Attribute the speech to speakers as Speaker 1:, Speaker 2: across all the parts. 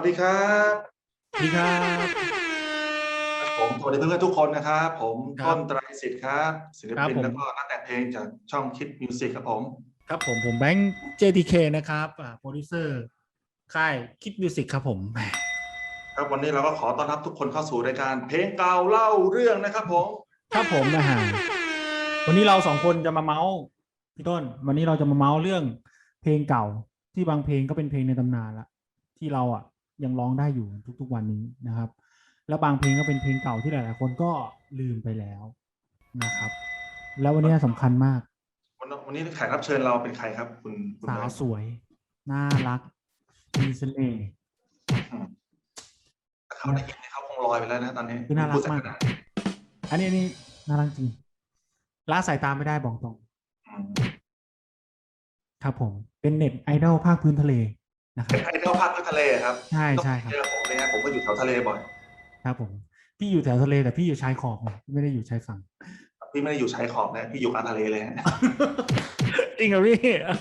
Speaker 1: วัสดีครับ
Speaker 2: สวัสดีครับ
Speaker 1: ผมสวัสดีเพื่อนๆทุกคนนะครับผมต้นไตร
Speaker 2: ครับ
Speaker 1: สิทธิ์ครับศิล
Speaker 2: ครับผม
Speaker 1: ปินแล้วก็นักแต่งเพลงจากช่องคิดมิวสิกครับผม
Speaker 2: ครับผมแบงค์ JTK นะครับโปรดิวเซอร์ค่ายคิดมิวสิกครับผมแหม
Speaker 1: ครับวันนี้เราก็ขอต้อนรับทุกคนเข้าสู่รายการเพลงเก่าเล่าเรื่องนะครับผม
Speaker 2: ครับผมวันนี้เราสองคนจะมาเมาส์พี่ต้นวันนี้เราจะมาเมาส์เรื่องเพลงเก่าที่บางเพลงก็เป็นเพลงในตำนานละที่เรายังร้องได้อยู่ทุกๆวันนี้นะครับแล้วบางเพลงก็เป็นเพลงเก่าที่หลายๆคนก็ลืมไปแล้วนะครับแล้ววันนี้สำคัญมาก
Speaker 1: วันนี้แขกรับเชิญเราเป็นใครครับคุณ
Speaker 2: สา
Speaker 1: แบงค์
Speaker 2: วสวยน่ารักมีเสน่ห์
Speaker 1: อืมถ้าเขาได้ยินเนี่ยเขาคงลอยไปแล้วนะตอนนี้
Speaker 2: คือน่ารั
Speaker 1: พู
Speaker 2: กมาก
Speaker 1: ดสักขนาด
Speaker 2: อันนี้น่ารักจริงละสายตาไม่ได้บอกตรง
Speaker 1: อืม
Speaker 2: ครับผมเป็นเน็ตไอดอลภาคพื้นทะเลนะครับ
Speaker 1: เป็นไอดอลภาคทะเลครับ
Speaker 2: ใช่
Speaker 1: ต้อง
Speaker 2: ใช่ครับ
Speaker 1: เจอผมเลยฮะผมก็อยู่แถวทะเลบ่อย
Speaker 2: ครับผมพี่อยู่แถวทะเลแต่พี่อยู่ชายขอบไงไม่ได้อยู่ชายฝั่ง
Speaker 1: พี่ไม่ได้อยู่ชายขอบนะพี่อยู่กลางทะเลเลยฮะ
Speaker 2: จริงเหรอพี่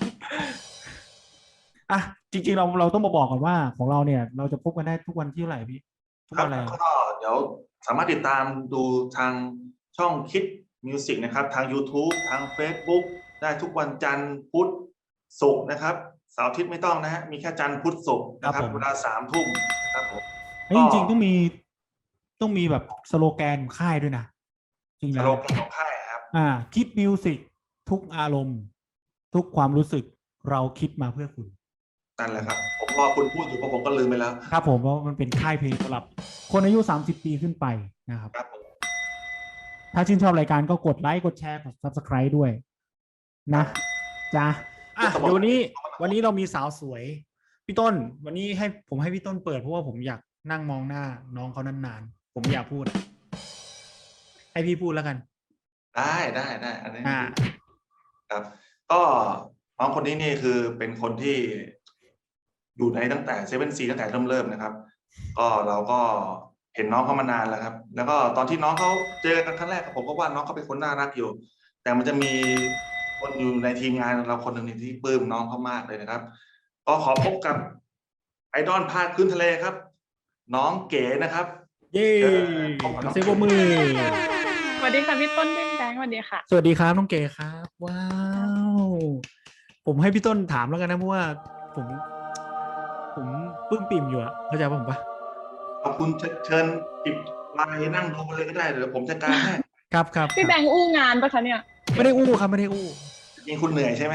Speaker 2: อ่ะจริงๆเราต้องมาบอกก่อนว่าของเราเนี่ยเราจะพบกันได้ทุกวันที่เท่าไหร่พี่ทุ
Speaker 1: ครับ
Speaker 2: กวันอะไร
Speaker 1: ก็เดี๋ยวสามารถติดตามดูทางช่องคิดมิวสิกนะครับทาง YouTube ทาง Facebook ได้ทุกวันจันทร์พุธศุกร์นะครับเสาร์อาทิตย์ไม่ต้องนะฮะมีแค่จันทร์พุธศุกร์
Speaker 2: ครับผม
Speaker 1: นะครับเวลา3 ทุ่มนะครับผม
Speaker 2: แล้วจ
Speaker 1: ก็
Speaker 2: ริงๆต้องมีแบบสโลแกนของค่ายด้วยนะจริง
Speaker 1: ส
Speaker 2: แล้ว
Speaker 1: โลแกนของค่ายครับ
Speaker 2: คิดมิวสิกทุกอารมณ์ทุกความรู้สึกเราคิดมาเพื่อคุณ
Speaker 1: นั่นแหละครับผมรอคุณพูดอยู่เพราะผมก็ลืมไปแล้ว
Speaker 2: ครับผมเพราะมันเป็นค่ายเพลงสำหรับคนอายุ30 ปีขึ้นไปนะครับ
Speaker 1: ครับผม
Speaker 2: ถ้าชื่นชอบรายการก็กดไลค์กดแชร์กด Subscribe ด้วยนะจ้าเดี๋ยววันนี้เรามีสาวสวยพี่ต้นวันนี้ให้พี่ต้นเปิดเพราะว่าผมอยากนั่งมองหน้าน้องเขานานๆผมอยากพูดให้พี่พูดแล้วกัน
Speaker 1: ได้อันนี้
Speaker 2: อ่า
Speaker 1: ครับก็น้องคนนี้นี่คือเป็นคนที่อยู่ในตั้งแต่7 สีตั้งแต่เริ่มนะครับก็เราก็เห็นน้องเขามานานแล้วครับแล้วก็ตอนที่น้องเขาเจอกันครั้งแรกผมก็ว่าน้องเขาเป็นคนน่ารักอยู่แต่มันจะมีคนอยู่ในทีมงานเราคนหนึ่งที่ปลื้มน้องเขามากเลยนะครับก็ขอพบกับไอดอลภาคพื้นทะเลครับน้องเก๋นะครับ
Speaker 2: เย้
Speaker 1: พบกับน้อง
Speaker 2: เซฟ
Speaker 1: เก๋
Speaker 2: มือ
Speaker 3: สวัสดีค่ะพี่ต้นพี่แบงค์สวัสดีค่ะ
Speaker 2: สวัสดีครับน้องเก๋ครับว้าวผมให้พี่ต้นถามแล้วกันนะเพราะว่าผมปลื้มปิ่มอยู่อะเข้าใจป่ะผมปะ
Speaker 1: ขอบคุณเชิญจิบไลน์นั่งดูเลยก็ได้เดี๋ยวผมจัดการให้
Speaker 2: ครับ
Speaker 3: พี่แบงค์อู้งานปะคะเนี่ย
Speaker 2: ไม่ได้อู้ครับไม่ได้อู้
Speaker 1: ยิงคุณเหนื่อยใช่ไหม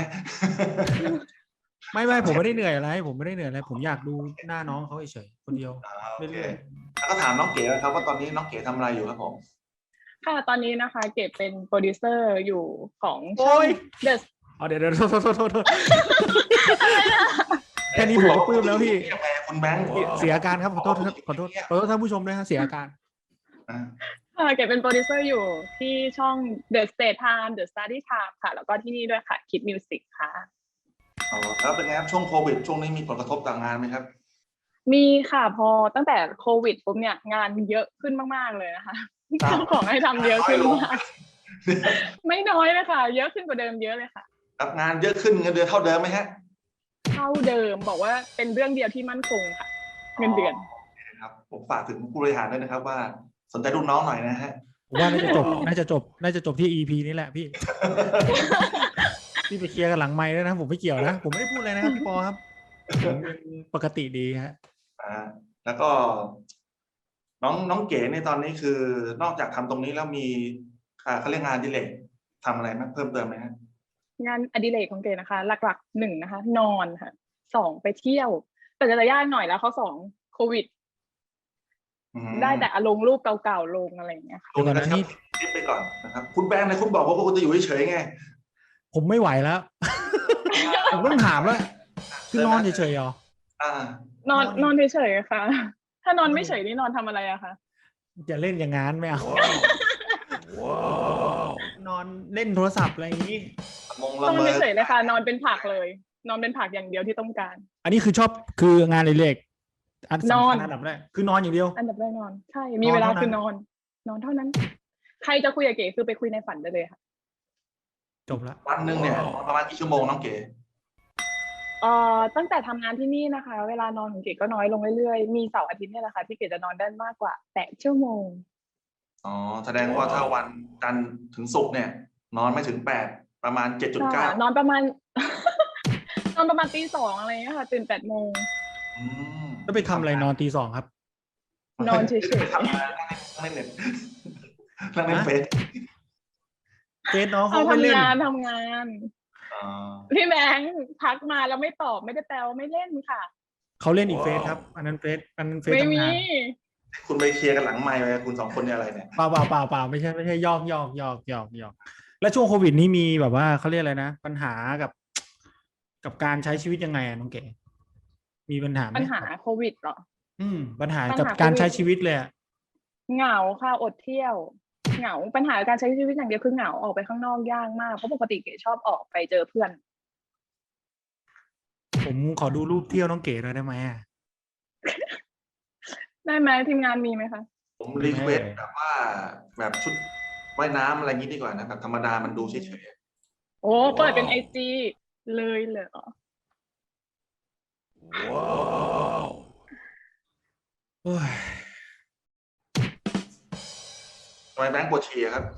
Speaker 2: ไม่ผมไม่ได้เหนื่อยอะไรผมไม่ได้เหนื่อยอะไรผมอยากดูหน้าน้องเขาเฉยๆคนเดียว
Speaker 1: โอเค
Speaker 2: เรื่อย
Speaker 1: แล้วก็ถามน้องเก๋นะครับว่าตอนนี้น้องเก๋ทำอะไรอยู่ครับผม
Speaker 3: ค่ะตอนนี้นะคะเก็บเป็นโปรดิวเซอร์อยู่ของ
Speaker 2: ๆ
Speaker 3: ช่อ
Speaker 2: โอ้
Speaker 3: ง
Speaker 2: ย
Speaker 3: The
Speaker 2: เดี๋ยวโทษแค่นี้ผมก็ปลื้มแล้วพี่
Speaker 1: ยังไงคุณแบงค์
Speaker 2: เสียอาการครับขอโทษท่านผู้ชมด้วยฮะเสียอาการ
Speaker 3: เก็บเป็นโปรดิวเซอร์อยู่ที่ช่อง The State Time The Study Time ค่ะแล้วก็ที่นี่ด้วยค่ะคิดมิวสิกค่ะ
Speaker 1: อ๋อแล้วเป็นไงครับช่วงโควิดช่วงนี้มีผลกระทบต่างงานไหมครับ
Speaker 3: มีค่ะพอตั้งแต่โควิดปุ๊บเนี่ยงานเยอะขึ้นมากๆเลยนะคะเจ้าของให้ทำเยอะขึ้นมากไม่น้อยเลยค่ะเยอะขึ้นกว่าเดิมเยอะเลยค่ะ
Speaker 1: รับงานเยอะขึ้นเงินเดือนเท่าเดิมไหมฮะ
Speaker 3: เท่าเดิมบอกว่าเป็นเรื่องเดียวที่มั่นคงค่ะเงินเดือน
Speaker 1: ครับผมฝากถึงผู้บริหารด้วยนะครับว่าสนใจรุ่นน้องหน่อยนะฮะ
Speaker 2: ผมว่าน่าจะจบที่ EP นี้แหละพี่ พี่ไปเคลียร์กันหลังไมค์ด้วยนะผมไม่เกี่ยวนะผมไม่ได้พูดอะไรนะครับพี่ปอครับผมเป็นปกติดีฮะ
Speaker 1: แล้วก็น้องเก๋ในตอนนี้คือนอกจากทำตรงนี้แล้วมีเขาเรียกงานอดิเรกทำอะไรไหมเพิ่มเติมไหมฮะ
Speaker 3: งานอดิเรกของเก๋นะคะ หลักๆ1นะคะนอนค่ะ2ไปเที่ยวแต่จะยากหน่อยแล้วเขา2โควิดได้แต่ลงรูปเก่าๆลงอะไรอย่างเงี้ยค่ะ
Speaker 1: ลงนะครับคิดไปก่อนนะครับคุณแบงค์นะคุณบอกว่าคุณจะอยู่เฉยๆไง
Speaker 2: ผมไม่ไหวแล้ว ผมต้องถามแล้วคือนอนเฉยๆเหร
Speaker 3: นอนเฉยๆค่ะถ้านอนไม่เฉยนี่นอนทำอะไรอะคะ
Speaker 2: จะเล่นอย่างงั้นไม่เอานอนเล่นโทรศัพท์อะไรอย่างนี้
Speaker 3: นอนเฉยๆเลยค่ะนอนเป็นผักเลยนอนเป็นผักอย่างเดียวที่ต้องการ
Speaker 2: อันนี้คือชอบคืองานเล็กอันสำคัญอันดับแรกคือนอนอย่างเดียว
Speaker 3: อันดับแรกนอนใช่มีเวลาคือนอนเท่านั้นใครจะคุยกับเก๋คือไปคุยในฝันได้เลยค่ะ
Speaker 2: จบละ
Speaker 1: วันหนึ่งเนี่ยประมาณกี่ชั่วโมงน้องเก๋
Speaker 3: ตั้งแต่ทำงานที่นี่นะคะ เวลานอนของเก๋ก็น้อยลงเรื่อยๆมีเสาร์อาทิตย์เนี่ยแหละค่ะที่เก๋จะนอนได้มากกว่า8 ชั่วโมง
Speaker 1: อ๋อแสดงว่าถ้าวันจันทร์ถึงศุกร์เนี่ย นอนไม่ถึง8ประมาณ
Speaker 3: ค่ะ
Speaker 1: 7.9
Speaker 3: นอนประมาณ นอนประมาณตี 2อะไรเงี้ยค่ะตื่น8 โมง
Speaker 1: อืม
Speaker 2: แล้วไปทำอะไรนอนตี 2ครับ
Speaker 3: นอนเฉย
Speaker 1: ไปทำงานนั่งเล่นเน็ตนั่งเล่นเฟซ
Speaker 2: เฟซน้อง
Speaker 3: ๆ
Speaker 2: เขาไม่เล่น
Speaker 3: ทำงาน
Speaker 1: อ่า
Speaker 3: พี่แบงค์ทักมาแล้วไม่ตอบไม่ได้แปลว่าไม่เล่นค่ะ
Speaker 2: เขาเล่นอีกเฟซครับ อันนั้นเฟซ
Speaker 3: ไม่มี
Speaker 2: ทำงาน
Speaker 1: คุณไปเคลียร์กันหลังไมค์ไปคุณสองคนเนี่ยอะไรเนี่ย
Speaker 2: เปล่าไม่ใช่หยอกแล้วช่วงโควิดนี้มีแบบว่าเขาเรียกอะไรนะปัญหากับการใช้ชีวิตยังไงอะน้องเก๋มีปัญหาไหม
Speaker 3: ปัญหาโควิดเหรอ
Speaker 2: ปัญหา
Speaker 3: ปัญ
Speaker 2: กับ
Speaker 3: หา
Speaker 2: การ
Speaker 3: โควิด
Speaker 2: ใช้ชีวิตเลยอะ
Speaker 3: เหงาค่ะอดเที่ยวเหงาปัญหาการใช้ชีวิตอย่างเดียวคือเหงาออกไปข้างนอกยากมากเพราะปกติเก๋ชอบออกไปเจอเพื่อน
Speaker 2: ผมขอดูรูปเที่ยวน้องเก๋หน่อยได้ไหมอะ
Speaker 3: ได้ไหมทีมงานมีไหมคะ
Speaker 1: ผมรีเควสแบบว่าแบบชุดว่ายน้ำอะไรงี้ดีกว่านะแบบธรรมดามันดูเฉย
Speaker 3: โอ้เปิดเป็นIGเลยเหรอ
Speaker 2: ว้าวโอ้ย
Speaker 1: ๆทำไมแบงค์ปวดฉี่อะครับ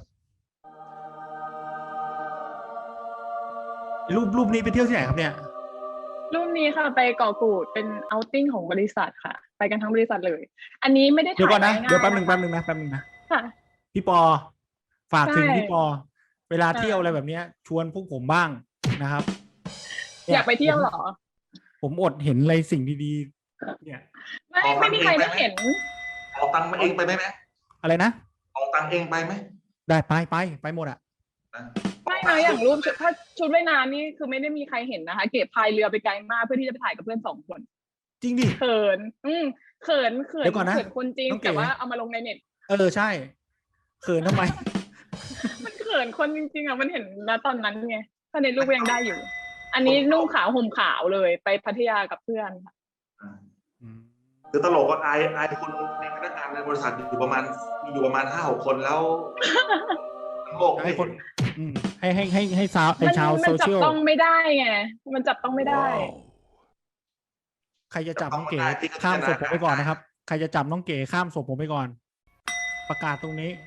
Speaker 2: รูปนี้ไปเที่ยวที่ไหนครับเนี่ย
Speaker 3: รูปนี้ค่ะไปเกาะกูดเป็นเอาท์ติ้งของบริษัทค่ะ ไปกันทั้งบริษัทเลย อันนี้ไม่ได้
Speaker 2: เดี๋ยว
Speaker 3: ถ่า
Speaker 2: ก่อย นนะ
Speaker 3: ง่ายๆ
Speaker 2: เดี๋ยวแป๊บหนึ่ง
Speaker 3: นะคะ
Speaker 2: นะ
Speaker 3: ค่ะ
Speaker 2: พี่ปอฝากถึง
Speaker 3: ใช่
Speaker 2: พี่ปอ เวลา
Speaker 3: ใช่
Speaker 2: เที่ยวอะไรแบบเนี้ย ชวนพวกผมบ้างนะครับ
Speaker 3: อยากไปเที่ยวเหรอ
Speaker 2: ผมอดเห็นอะไรสิ่งดีๆเนี่ย
Speaker 3: ไม่มีใครได้เห็น
Speaker 1: ออกตังค์มาเองไปไหม
Speaker 2: อะไรนะ
Speaker 1: ออกตังค์เองไปไหม
Speaker 2: ได้ไปหมดอะ
Speaker 1: นะ
Speaker 3: ไม่นะอย่างรูปถ้าชุดว่ายน้ำนี่คือไม่ได้มีใครเห็นนะคะ เก็บพายเรือไปไกลมากเพื่อที่จะไปถ่ายกับเพื่อน2 คน
Speaker 2: จริงดิ
Speaker 3: เขินเขิน
Speaker 2: เดี๋ยวก่อนนะ
Speaker 3: เขินคนจริง
Speaker 2: น้องเก๋
Speaker 3: แต่ว่าเอามาลงในเน็ต
Speaker 2: ใช่เขินทำไม
Speaker 3: มันเขินคนจริงๆอ่ะมันเห็นนะตอนนั้นไงถ้าในรูปยังได้อยู่ อันนี้นุ่งขาวห่มขาวเลยไปพัทยากับเพื่อนค่ะ
Speaker 1: คือตลกว่าไอคนในพนักงานในบริษัทอยู่ประมาณ5-6 คนแล้วทั้งโลก
Speaker 2: ให้คนให้ชาวโซ
Speaker 3: มันจั
Speaker 2: เชี
Speaker 3: บ
Speaker 2: ยล
Speaker 3: ต้องไม่ได้ไงมันจับต้องไม่ได้
Speaker 2: ใครจะจับน้องเก๋ข้ามศพผมไปก่อนนะครับ ใครจะจับน้องเก๋ข้ามศพผมไปก่อน ประกาศตรงนี้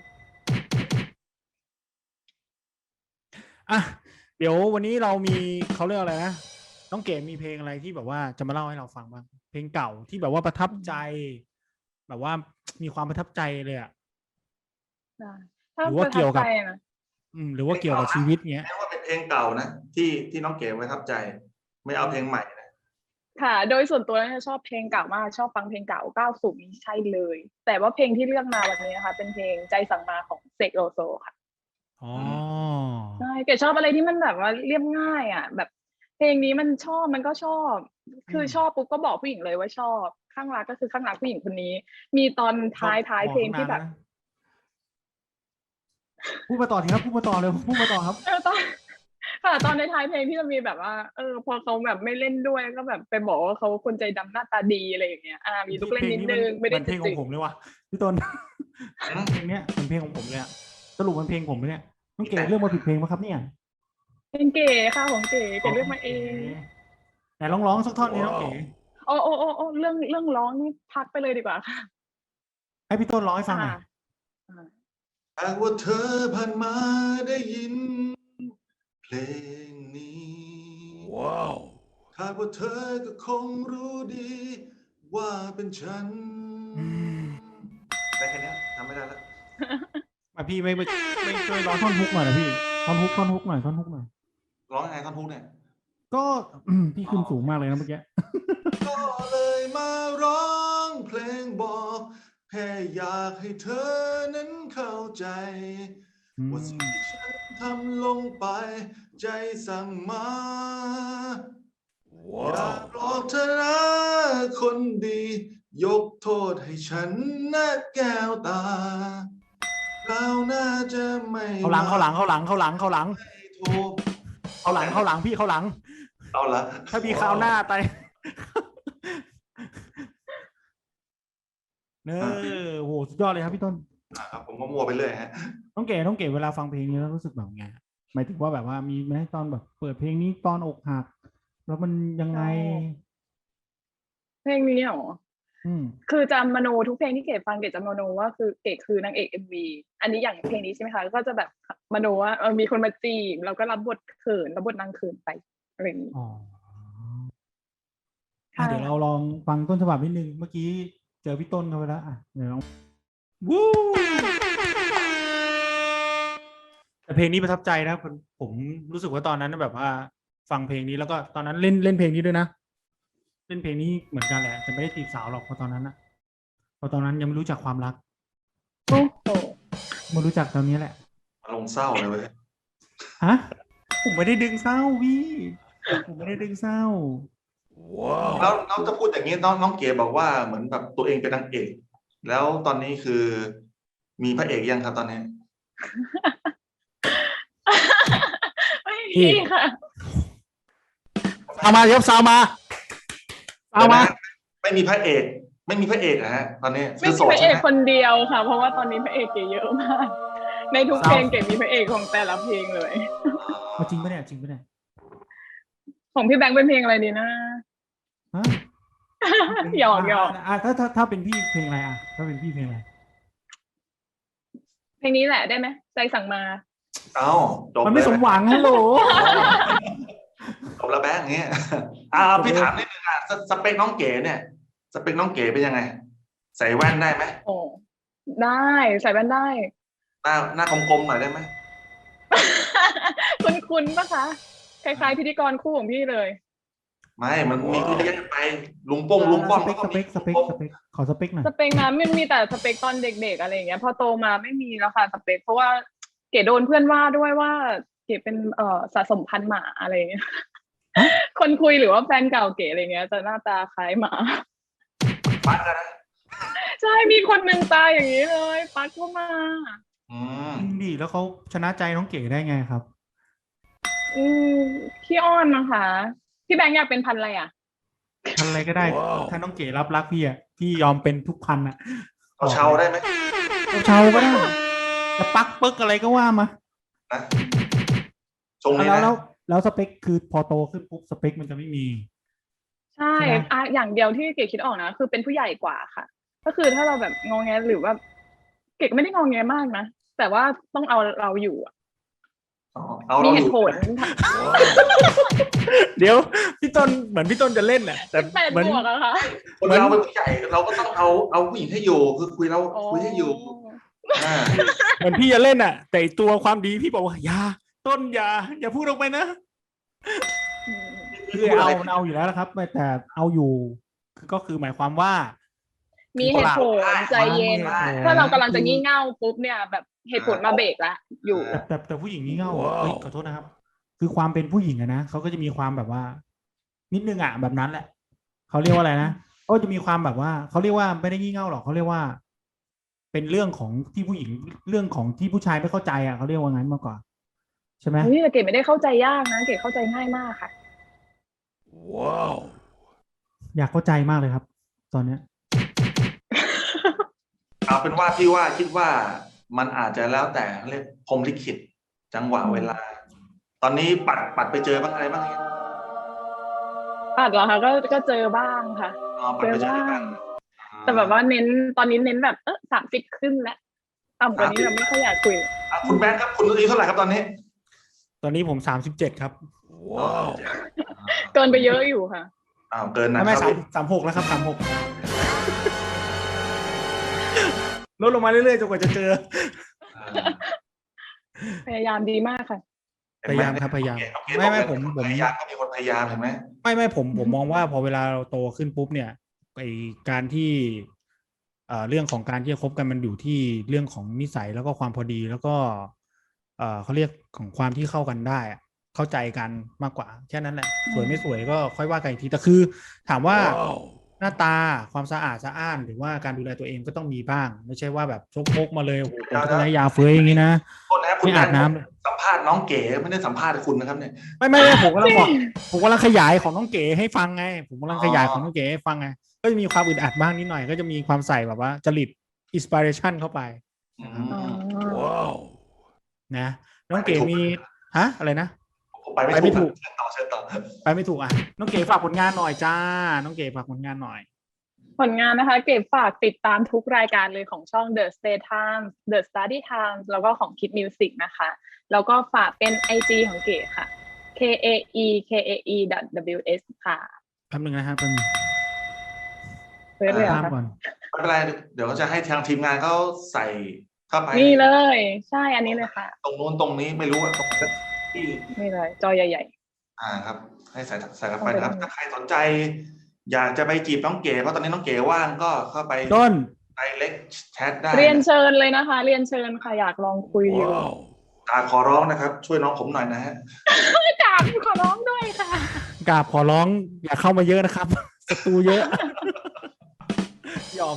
Speaker 2: อ่ะเดี๋ยววันนี้เรามีเขาเรียกอะไรนะน้องเก๋มีเพลงอะไรที่แบบว่าจะมาเล่าให้เราฟังบ้างเพลงเก่าที่แบบว่าประทับใจ แบบว่ามีความประทับใจเลยอ่ะ
Speaker 3: ถ้า
Speaker 2: หรือ
Speaker 3: ป
Speaker 2: ว่า
Speaker 3: ระทั
Speaker 2: เกี่ยว
Speaker 3: บ
Speaker 2: กั
Speaker 3: ใจ
Speaker 2: บ
Speaker 3: นะ
Speaker 2: หรือว่าเกี่ยวกับชีวิตเงี้ย
Speaker 1: แม้ว่าเป็นเพลงเก่านะที่น้องเก๋ประทับใจ ไม่เอาเพลงใหม่นะ
Speaker 3: ค่ะ โดยส่วนตัวเนี่ยชอบเพลงเก่ามากชอบฟังเพลงเก่า90นี่ใช่เลย แต่ว่าเพลงที่เลือกมาวันนี้นะคะเป็นเพลงใจสั่งมาของเสกโลโซค่ะ
Speaker 2: อ๋อ
Speaker 3: ใช่เก๋ชอบอะไรที่มันแบบว่าเรียบง่ายอ่ะ แบบเพลงนี้มันชอบมันก็ชอบ คือชอบปุ๊บก็บอกผู้หญิงเลยว่าชอบข้างรักก็คือข้างรักผู้หญิงคนนี้ มีตอนท้ายเพลงที่แบบ
Speaker 2: พูดมาต่อทีครับพูดมาต่อเลยพูดมาต่อครับ
Speaker 3: ตอนค่ะตอนในท้ายเพลงที่จะมีแบบว่า พอเขาแบบไม่เล่นด้วยก็แบบไปบอกว่าเขาคนใจดำหน้าตาดีอะไรอย่างเงี้ยมีลูกเล่นนิดนึงไม่ได้
Speaker 2: เพลงของผมเลยว่ะพี่ต้น เพลงเนี้ยเป็นเพลงของผมเลยอะสรุปมันเพลงผมไหมเนี่ยน้องเก๋เลือกมาผิดเพลงปะครับเนี่ย
Speaker 3: เพลงเก๋ค่ะของเก๋เลือกมาเอง
Speaker 2: แต่ร้องสักท่อนนี้น้องเก๋
Speaker 3: โอ้เรื่องร้องนี่พักไปเลยดีกว่าค่ะ
Speaker 2: ให้พี่ต้นร้องให้ฟังหน่อย
Speaker 1: หากว่าเธอผ่านมาได้ยินเพลงนี้ว้าวหากว่าเธอก็คงรู้ดีว่าเป็นฉันได้แค่นี้ทำไม่ได้แล้ว
Speaker 2: มาพี่ไม่ช่วยร้องท่อนฮุกหน่อยนะพี่ท่อนฮุกหน่อย
Speaker 1: ร้องยังไงท่อนฮุกเนี่ย
Speaker 2: ก็พี่ขึ้นสูงมากเลยนะเมื่อกี้
Speaker 1: ก็เลยมาร้องเพลงบอกแค่อยากให้เธอนั้นเข้าใจว่าสิ่งที่ฉันทำลงไปใจสั่งมาอยากบอกเธอนะคนดียกโทษให้ฉันนะแก้วตาเราน่าจะไม่
Speaker 2: เข้าหลังพี่เข้าหลัง
Speaker 1: เอาละ
Speaker 2: ถ้าพี่คราวหน้าไปโหสุดยอดเลยครับพี่ต้น
Speaker 1: ครับผมก็มัวไปเรื่อยฮะ
Speaker 2: น้องเก๋เวลาฟังเพลงนี้แล้วรู้สึกแบบไงหมายถึงว่าแบบว่ามีไหมตอนแบบเปิดเพลงนี้ตอนอกหักแล้วมันยังไง
Speaker 3: เพลงนี้เหรอ
Speaker 2: อืม
Speaker 3: คือจะมโนทุกเพลงที่เกดฟังเกดจะมโนว่าคือเกดคือนางเอกเอ็มวีอันนี้อย่างเพลงนี้ใช่ไหมคะก็จะแบบมโนว่ามีคนมาจีบเราก็รับบทเขินรับบทนางเขินไปอะไรอย่างนี้
Speaker 2: อ๋อ
Speaker 3: ค่ะ
Speaker 2: เดี๋ยวเราลองฟังต้นฉบับนิดนึง เมื่อกี้เจอพี่ต้นเข้าไปแล้วอ่ะเดี๋ยวลองวู้แต่เพลงนี้ประทับใจนะผมรู้สึกว่าตอนนั้นแบบว่า ฟังเพลงนี้แล้วก็ตอนนั้นเล่นเพลงนี้ด้วยนะ เล่นเพลงนี้เหมือนกันแหละแต่ไม่ได้จีบสาวหรอกเพราะตอนนั้นยังไม่รู้จักความรัก
Speaker 3: โอ้โห
Speaker 2: มารู้จักตอนนี้แหละ
Speaker 1: อารมณ์เศร้าเลยเว้ย
Speaker 2: ฮะ ผมไม่ได้ดึงเศร้าพี่ ผมไม่ได้ดึงเศร้า
Speaker 1: แล้วน้องจะพูดอย่างนี้น้องเก๋บอกว่าเหมือนแบบตัวเองเป็นนางเอก แล้วตอนนี้คือมีพระเอกยังครับตอนนี้
Speaker 3: ไม่มีค่ะ
Speaker 2: เอามาเดี๋ยวซาวมาเอามา
Speaker 1: ไม่มีพระเอกไม่มีพระเอกนะฮะตอนนี้
Speaker 3: ไม่
Speaker 1: คือ
Speaker 3: มี
Speaker 1: โสด
Speaker 3: พระเอ
Speaker 1: ใช่
Speaker 3: ก
Speaker 1: ไหม
Speaker 3: คนเดียวค่ะ เพราะว่าตอนนี้พระเอกเก๋เยอะมาก ในทุกเพลงเก๋มีพระเอกของแต่ละเพลงเลย
Speaker 2: เอาจริงปะเนี่ยจริงปะเนี่ย
Speaker 3: ของพี่แบงค์เป็นเพลงอะไรดีนะ
Speaker 2: ฮะ
Speaker 3: หยอกหยอก
Speaker 2: อ่ะถ้าเป็นพี่เพลงอะไรอ่ะถ้าเป็นพี่เพลงอะไร
Speaker 3: เพลงนี้แหละได้ไหมใจสั่งมา
Speaker 1: เอ้าจบ
Speaker 2: มันไม่สมหวังฮัลโหล
Speaker 1: จบแล้วแบงค์อย่างเงี้ยพี่ถามนิดนึงสเปคน้องเก๋เนี่ย สเปคน้องเก๋เป็นยังไง ใส่แว่นได้ไหม
Speaker 3: โอ้ได้ใส่แว่นได้
Speaker 1: หน้ากลมๆหน่อยได้ไหม
Speaker 3: คุ้นๆปะคะคล้ายๆพิธีกรคู่ของพี่เลย
Speaker 1: ไม่มันมีเยอะแยะไปลุงป้อง
Speaker 2: สเปคขอสเปคหน่อย
Speaker 3: สเปคนั้นมันมีแต่สเปคตอนเด็กๆอะไรอย่างเงี้ยพอโตมาไม่มีแล้วค่ะสเปคเพราะว่าเก๋โดนเพื่อนว่าด้วยว่าเก๋เป็นสะสมพันธุ์หมาอะไรอย่างเงี้ย คนคุยหรือว่าแฟนเก่าเก๋อะไรเงี้ยจะหน้าตาคล้ายหมา
Speaker 1: ปัดกันนะ
Speaker 3: ใช่มีคนหนึ่งตาอย่างนี้เลยปัดเข้ามา
Speaker 1: อืม
Speaker 2: จริงดิแล้วเขาชนะใจน้องเก๋ได้ไงครับ
Speaker 3: อืมขี้อ้อนนะคะพี่แบงค์อยากเป็นพันธุ์อะไรอ่ะ
Speaker 2: พันอะไรก็ได้ ถ้าน้องเก๋รับรักพี่อ่ะพี่ยอมเป็นทุกพันอ่ะ
Speaker 1: เอาเชาได้ไหม
Speaker 2: เชาก็ได้จะปักเปิ๊กอะไรก็ว่ามา
Speaker 1: นะชงนี้
Speaker 2: แล้ว
Speaker 1: นะ
Speaker 2: แล้วสเปคคือพอโตขึ้นปุ๊บสเปคมันจะไม่มี
Speaker 3: ใช่
Speaker 2: ใช่ไหม
Speaker 3: อย่างเดียวที่เก๋คิดออกนะคือเป็นผู้ใหญ่กว่าค่ะ ก็คือถ้าเราแบบงอแงหรือว่าเก๋ก็ไม่ได้งอแงมากนะแต่ว่าต้องเอาเราอยู่อะ
Speaker 1: เอา
Speaker 3: มี
Speaker 1: เรา
Speaker 3: เห
Speaker 1: อยู่
Speaker 3: ตุผล
Speaker 2: เดี๋ยวพี่ต้นเหมือนพี่ต้นจะเล่นแหละแต่
Speaker 3: แปด
Speaker 2: เหมือน
Speaker 3: บวกอะค่ะ
Speaker 1: คนเราเป็นผู้ใหญ่เราก็ต้องเอาผู้หญิงให้อยู่คือคุยให้อยู่อ่า
Speaker 2: เหมือนพี่จะเล่นอ่ะ แต่ตัวความดีพี่บอกว่าอย่าต้นอย่าพูดออกไปนะ คือเอาอยู่แล้วนะครับแต่เอาอยู่ก็คือหมายความว่า
Speaker 3: มีเหตุผลใจเย็น
Speaker 2: มีเหตุผล
Speaker 3: ถ้าเรากำลังจะงี่เง่าปุ๊บเนี่ยแบบเหตุผลมาเบรกละอยู่
Speaker 2: แต่ผู้หญิงนี่เง่าเฮ้ยขอโทษนะครับ คือความเป็นผู้หญิงอะนะเขาก็จะมีความแบบว่า นิดนึงอะแบบนั้นแหละเขาเรียกว่าอะไรนะเขาจะมีความแบบว่าเขาเรียกว่าไม่ได้งี่เง่าหรอกเขาเรียกว่า เป็นเรื่องของที่ผู้หญิงเรื่องของที่ผู้ชายไม่เข้าใจอะเขาเรียกว่างั้นมากกว่าใช่ไหม
Speaker 3: เฮ้ยแต่เก๋ไม่ได้เข้าใจยากนะเก๋เข้าใจง่ายมากค่ะ
Speaker 2: อยากเข้าใจมากเลยครับ ตอนเนี้ย
Speaker 1: เอาเป็นว่าพี่ว่าคิดว่ามันอาจจะแล้วแต่เรียกพรหมลิขิตจังหวะเวลา ตอนนี้ปัดไปเจอบ้างอะไรบ้างเนี่ย
Speaker 3: ปัดเหรอคะก็เจอบ้างค่ะ
Speaker 1: ปัดไปเจออะไรบ้าง
Speaker 3: แต่แบบว่าตอนนี้เน้นแบบ30ขึ้นแล้วต่ำกว่านี้เราไม่ค่อยอยากคุย
Speaker 1: คุณแบงค์ครับคุณอายุเท่าไหร่ครับตอนนี้
Speaker 2: ตอนนี้ผม37ครับ
Speaker 3: เกินไปเยอะอยู่ค่ะ
Speaker 1: เกินนะ
Speaker 2: ไม่
Speaker 1: ครับ
Speaker 2: 36แล้วครับ36ลดลงมาเรื่อยๆจนกว่าจะเจอ
Speaker 3: พยายามดีมากค่ะ
Speaker 2: พยายามครับพยายาม
Speaker 1: โอเค
Speaker 2: ไม่
Speaker 1: ผมพยายามก็มีคนพยายามเห็นไหม
Speaker 2: ไม่ผมมองว่าพอเวลาเราโตขึ้นปุ๊บเนี่ยไอการที่เรื่องของการที่จะคบกันมันอยู่ที่เรื่องของนิสัยแล้วก็ความพอดีแล้วก็เขาเรียกของความที่เข้ากันได้อะเข้าใจกันมากกว่าแค่นั้นแหละสวยไม่สวยก็ค่อยว่ากันอีกทีแต่คือถามว่าหน้าตาความสะอาดสะอ้านหรือว่าการดูแลตัวเองก็ต้องมีบ้าง ไม่ใช่ว่าแบบชกมกมาเลยโอ้โหผมต้องใช้ยาเฟ้ยอย่างนี้นะ
Speaker 1: โทษนะครับคุณ
Speaker 2: ไม่อาบน้ำ
Speaker 1: สัมภาษณ์น้องเก๋ไม่ได้สัมภาษณ์คุณนะครับเนี่ย
Speaker 2: ไม่ผมกำลังบอกผมกำลังขยายของน้องเก๋ให้ฟังไงผมกำลังขยายของน้องเก๋ให้ฟังไงก็จะมีความอึดอัดบ้างนิดหน่อยก็จะมีความใส่แบบว่าจริตอินสปิเรชันเข้าไป
Speaker 1: อืม
Speaker 3: ว้าว
Speaker 2: นะน้องเก๋มีอะไรนะ
Speaker 1: ผมไปไม่
Speaker 2: ไปไม่ถู
Speaker 1: ถู
Speaker 2: ก
Speaker 1: กเชิญต่อ
Speaker 2: ไปไม่ถูกอ่ะน้องเก๋ฝากผลงานหน่อยจ้าน้องเก๋ฝากผลงานหน่อย
Speaker 3: ผลงานนะคะเก็บฝากติดตามทุกรายการเลยของช่อง The Stay Times The Study Times แล้วก็ของ Kid Music นะคะ แล้วก็ฝากเป็น IG ของเก๋ค่ะ kaekae.ws ค่ะ
Speaker 2: แป๊บนึงนะครับแป๊บนึง
Speaker 3: เพื่อเลยเหร
Speaker 2: ตา
Speaker 3: อ
Speaker 2: ม
Speaker 3: คะ
Speaker 2: ก่อน
Speaker 1: ไม่เป็นไรเดี๋ยวจะให้ทางทีมงานเขาใส่เข้าไป
Speaker 3: นี่เลย ใช่อันนี้เลยค่ะ
Speaker 1: ตรงนู้นตรงนี้ไม่รู้อะตรงที่
Speaker 3: นี่เลย จอใหญ่
Speaker 1: ครับ ให้ใส่เข้าไป
Speaker 3: เอาไป
Speaker 1: นะครับ
Speaker 3: ทำไง
Speaker 1: ถ้าใครสนใจ อยากจะไปจีบน้องเก๋เพราะตอนนี้น้องเก๋ว่างก็เข้าไป
Speaker 2: ต้น
Speaker 1: direct chat ได้
Speaker 3: ๆ เรียนเชิญเลยนะคะ เรียนเชิญค่ะอยากลองคุยอยู่
Speaker 1: ขอร้องนะครับ ช่วยน้องผมหน่อยนะฮะ
Speaker 3: กราบขอร้องด้วยค่ะ
Speaker 2: กราบขอร้องอย่าเข้ามาเยอะนะครับ ศัตรูเยอะ หยอก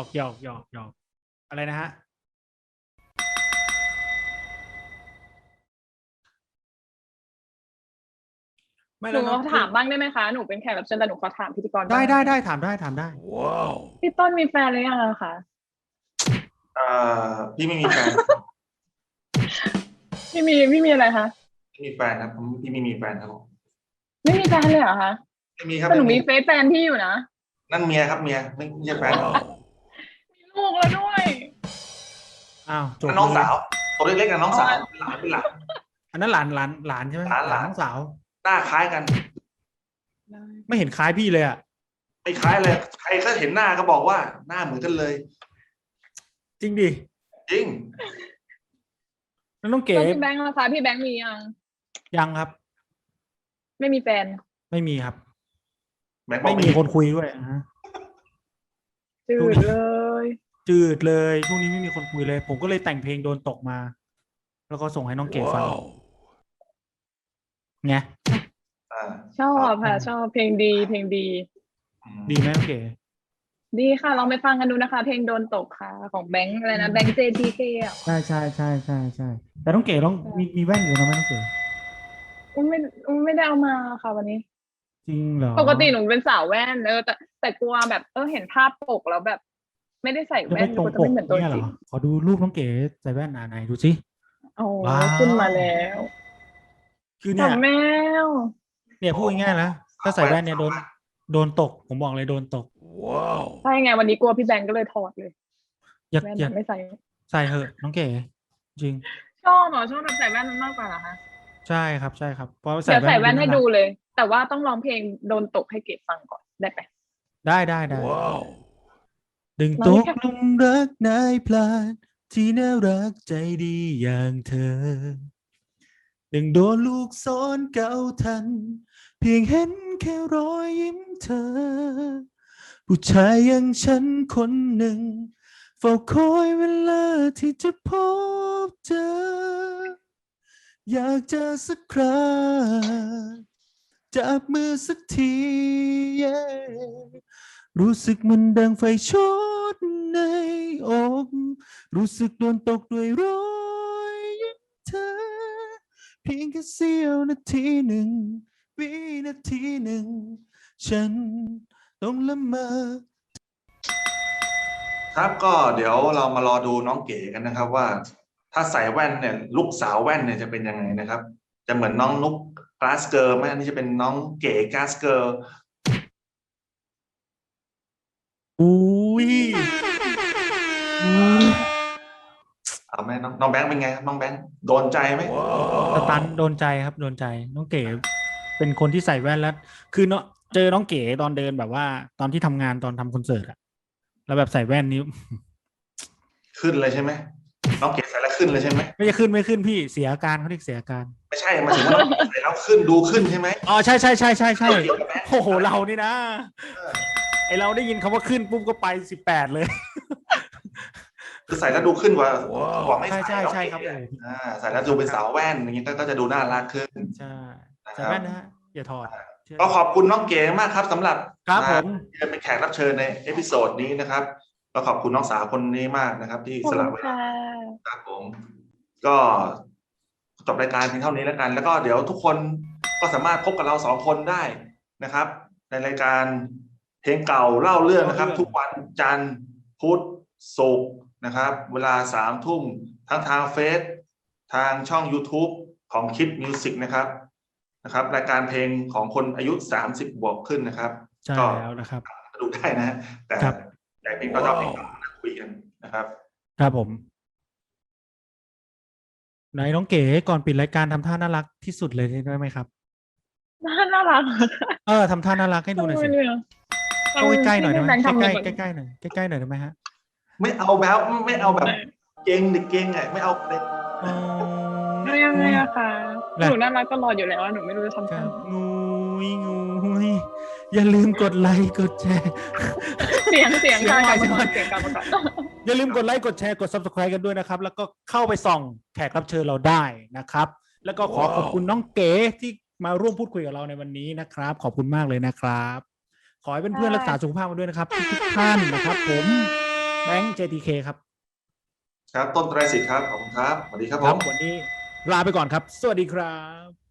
Speaker 2: อะไรนะฮะไม่
Speaker 3: ห
Speaker 2: แล้
Speaker 3: นู
Speaker 2: วน้อง
Speaker 3: ถามบ้างได้ไหมคะ หนูเป็นแขกรับเชิญแต่หนูขอถามพิธีกรบ้าง
Speaker 2: ได้ถามได้
Speaker 3: พี่ต้นมีแฟนหรือยังอะคะ
Speaker 1: พี่ไม่มีแฟน
Speaker 3: พี่มีอะไรคะ
Speaker 1: ไม่มีแฟนครับพี่ไม่มีแฟนครับผม
Speaker 3: ไม่มีแฟนเลยเหรอคะ
Speaker 1: ไม่มีครับ
Speaker 3: แต่หนู
Speaker 1: ไม่
Speaker 3: มีเฟซแฟนพี่อยู่นะ
Speaker 1: นั่นเมียครับเมียไม่ใช่แฟน
Speaker 3: มีลูกแล้วด้วย
Speaker 2: อ้าวจบ
Speaker 1: นั่นน้อง
Speaker 2: เลย
Speaker 1: สาวตัวเล็กๆนะน้องสาวเป็นหลาน
Speaker 2: อันนั้นหลานใช่ไหม
Speaker 1: หลาน
Speaker 2: น้องสาว
Speaker 1: หน้าคล้ายกัน
Speaker 2: ไม่เห็นคล้ายพี่เลยอ่ะ
Speaker 1: ไม่คล้ายเลย ใครก็เห็นหน้าก็บอกว่าหน้าเหมือนกันเลย
Speaker 2: จริงดิ
Speaker 1: จริง
Speaker 2: แล้วน้องเก๋
Speaker 3: แล้วพี่แบงค์ล่ะคะพี่แบงค์มียัง
Speaker 2: ยังครับ
Speaker 3: ไม่มีแฟน
Speaker 2: ไม่มีครับ
Speaker 1: แบงค์บอก
Speaker 2: ไม่มีคนคุยด้วยฮะ
Speaker 3: จื
Speaker 2: ดู
Speaker 3: ด
Speaker 2: ดิ
Speaker 3: เลย
Speaker 2: จืดเลยช่วงนี้ไม่มีคนคุยเลย ผมก็เลยแต่งเพลงโดนตกมา แล้วก็ส่งให้น้องเก๋ฟังไง
Speaker 3: ชอบค่ะ ชอบเพลงดีเพลงดี
Speaker 2: ดีไหมน้องเก๋
Speaker 3: ดีค่ะลองไปฟังกันดูนะคะ เพลงโดนตกค่ะ ของแบงค์อะไรนะแบงค์ JTK อ่ะ
Speaker 2: ใช่แต่น้องเก๋ต้องมีแว่นอยู่นะไหมน้องเก๋
Speaker 3: ไม่ได้เอามาค่ะวันนี้
Speaker 2: จริงเหรอ
Speaker 3: ปกติหนูเป็นสาวแว่นแต่กลัวแบบเห็นภาพปกแล้วแบบ ไม่ได้ใส่
Speaker 2: จะ
Speaker 3: แว่
Speaker 2: ไม่
Speaker 3: น
Speaker 2: ตรง
Speaker 3: ก็จะ
Speaker 2: ปก
Speaker 3: ไม่เหมือนตัว
Speaker 2: เนี่ยเห
Speaker 3: จ
Speaker 2: ร
Speaker 3: ริง
Speaker 2: อขอดูรูปน้องเก๋ใส่แว่นไหนดูสิ
Speaker 3: โอ้
Speaker 2: ว้าว
Speaker 3: ขึ้นมาแล้ว
Speaker 2: คือ
Speaker 3: จั
Speaker 2: เนี่ย
Speaker 3: บแมว
Speaker 2: เนี่ยพูดง่ายๆนะถ้าใส่แว่นเนี่ยโดนตก ผมบอกเลยโดนตก
Speaker 3: ใช่ไงวันนี้กลัวพี่แบงค์ก็เลยถอดเลย
Speaker 2: อยาก
Speaker 3: แว่น
Speaker 2: อยาก
Speaker 3: ไม่ใส่
Speaker 2: ใส่เหอะน้องเก๋จริง
Speaker 3: ชอบแบบใส่แว่นมากกว่าเหรอคะ
Speaker 2: ใช่ครับเพราะ
Speaker 3: เดี๋ยวใส่แว่นให้
Speaker 2: ารัก
Speaker 3: ดูเลย แต่ว่าต้องร้องเพลงโดนตกให้เก็บฟังก่อนได้ไหม
Speaker 2: ได้ดึง
Speaker 3: ร้
Speaker 2: ต
Speaker 3: อง
Speaker 2: ก
Speaker 3: แค่
Speaker 2: หลุมรักนายพลานที่น่ารักใจดีอย่างเธอ ดึงโดนลูกซ้อนเก่าทัน เพียงเห็นแค่รอยยิ้มเธอ ผู้ชายอย่างฉันคนหนึ่งเฝ้าคอยเวลาที่จะพบเจอ อยากเจอสักคราจับมือสักที รู้สึกมันดังไฟช็อตในอก รู้สึกโดนตกด้วยรอยยิ้มเธอ เพียงแค่เสี้ยวนาทีหนึ่ง วินาทีหนึ่ง ฉันต้องละเมอ
Speaker 1: ครับก็เดี๋ยวเรามารอดูน้องเก๋กันนะครับ ว่า ถ้าใส่แว่นเนี่ยลูกสาวแว่นเนี่ยจะเป็นยังไงนะครับ จะเหมือนน้องนุ๊กกลาสเกิร์ลไหมอันนี้จะเป็นน้องเก๋กลาสเกิร์ล
Speaker 2: อุ้ย
Speaker 1: เอาไหมน้องแบงค์เป็นไงครับน้องแบงค์โดนใจไหม
Speaker 2: สตันโดนใจครับโดนใจน้องเก๋เป็นคนที่ใส่แว่นแล้ว คือเนาะเจอน้องเก๋ตอนเดินแบบว่า ตอนที่ทำงานตอนทำคอนเสิร์ตอะแล้วแบบใส่แว่นนี้
Speaker 1: ขึ้นเลยใช่ไหมน้องเก๋ใส่แล้วขึ้นเลยใช่ไหม
Speaker 2: ไม่ขึ้นพี่เสียอาการเขาเรียกเสียอาการ
Speaker 1: ไม่ใช่มาถึงว่าน้องเก๋ใส่แล้วขึ้นดูขึ้นใช่ไหม
Speaker 2: อ๋อใช่
Speaker 1: เกี่ยวกับแบงค์
Speaker 2: โอ้โหเรานี่นะไอเราได้ยินคำว่าขึ้นปุ๊บก็ไป18เลย
Speaker 1: คือใส่แล้วดูขึ้นกว่าไม่ใส่
Speaker 2: ใช่ครับ
Speaker 1: ใส่แล้วดูเป็นสาวแว่นอย่างนี้ก็จะดูน่ารักขึ้น
Speaker 2: ใช่
Speaker 1: นะค
Speaker 2: ใส่
Speaker 1: รับ
Speaker 2: แว่นนะฮะอย่าถอด
Speaker 1: ก็ขอบคุณน้องเก๋มากครับสำหรับ
Speaker 2: ครับผม
Speaker 1: ที่เป็นแขกรับเชิญในเอพิโซดนี้นะครับก็ขอบคุณน้องสาวคนนี้มากนะครับ ที่
Speaker 3: ขอบ
Speaker 1: ส
Speaker 3: คุ
Speaker 1: ละ
Speaker 3: ณ
Speaker 1: เวลา
Speaker 3: ค่ะ
Speaker 1: ครับผม ก็จบรายการเพียงเท่านี้แล้วกัน แล้วก็เดี๋ยวทุกคนก็สามารถพบกับเรา2 คนได้นะครับ ในรายการเพลงเก่าเล่าเรื่องนะครับ ทุกวันจันทร์พุธศุกร์นะครับ เวลา3 ทุ่มทั้งทางเฟซทางช่อง YouTube ของ Kid Music นะครับนะครับรายการเพลงของคนอายุ30บวกขึ้นนะครับ
Speaker 2: ใช่
Speaker 1: ก็
Speaker 2: แล้วนะครับ
Speaker 1: ดูได้นะ แต่
Speaker 2: ครับ
Speaker 1: แต่เพลงก็ชอบเพลงเก่ามาคุยกันนะครับ
Speaker 2: ครับผมไหนน้องเก๋ก่อนปิดรายการทำท่าน่ารักที่สุดเลยได้ไหมครับ
Speaker 3: น่ารัก
Speaker 2: ทำท่าน่ารักให้ดูหน่อยสิเข้าใกล้ๆหน่อยได้ไหมใกล้ๆใกล้ๆหน่อยใกล้ๆหน่อยได้ไหมฮะ
Speaker 1: ไม่เอาแบบไม่เอาแบบเก่งหรือเก่งไงไม่เอาเลย
Speaker 3: ไม่อะค่ะหนูน่ารักตลอดอยู่แล้วหนูไม่รู้จะทำ
Speaker 2: ครั
Speaker 3: ทำ
Speaker 2: บงูยอย่าลืมกดไลค์กดแชร์
Speaker 3: เสียงค่ะ
Speaker 2: เสียง
Speaker 3: กลับ
Speaker 2: ใหม่
Speaker 3: มาก่อนเสียงกลับมาก่อน
Speaker 2: อย่าลืมกดไลค์กดแชร์กด subscribe กันด้วยนะครับ แล้วก็เข้าไปส่องแขกรับเชิญเราได้นะครับ แล้วก็ขอขอบคุณน้องเก๋ที่มาร่วมพูดคุยกับเราในวันนี้นะครับ ขอบคุณมากเลยนะครับ ขอให้เพื่อนๆรักษาสุขภาพกันด้วยนะครับทุกท่านนะครับ ผมแบงค์ JTK ครับ
Speaker 1: ครับต้นไตรสิทธิ์ครับขอบคุณครับสวัสดีครับผม
Speaker 2: วันนี้ลาไปก่อนครับ สวัสดีครับ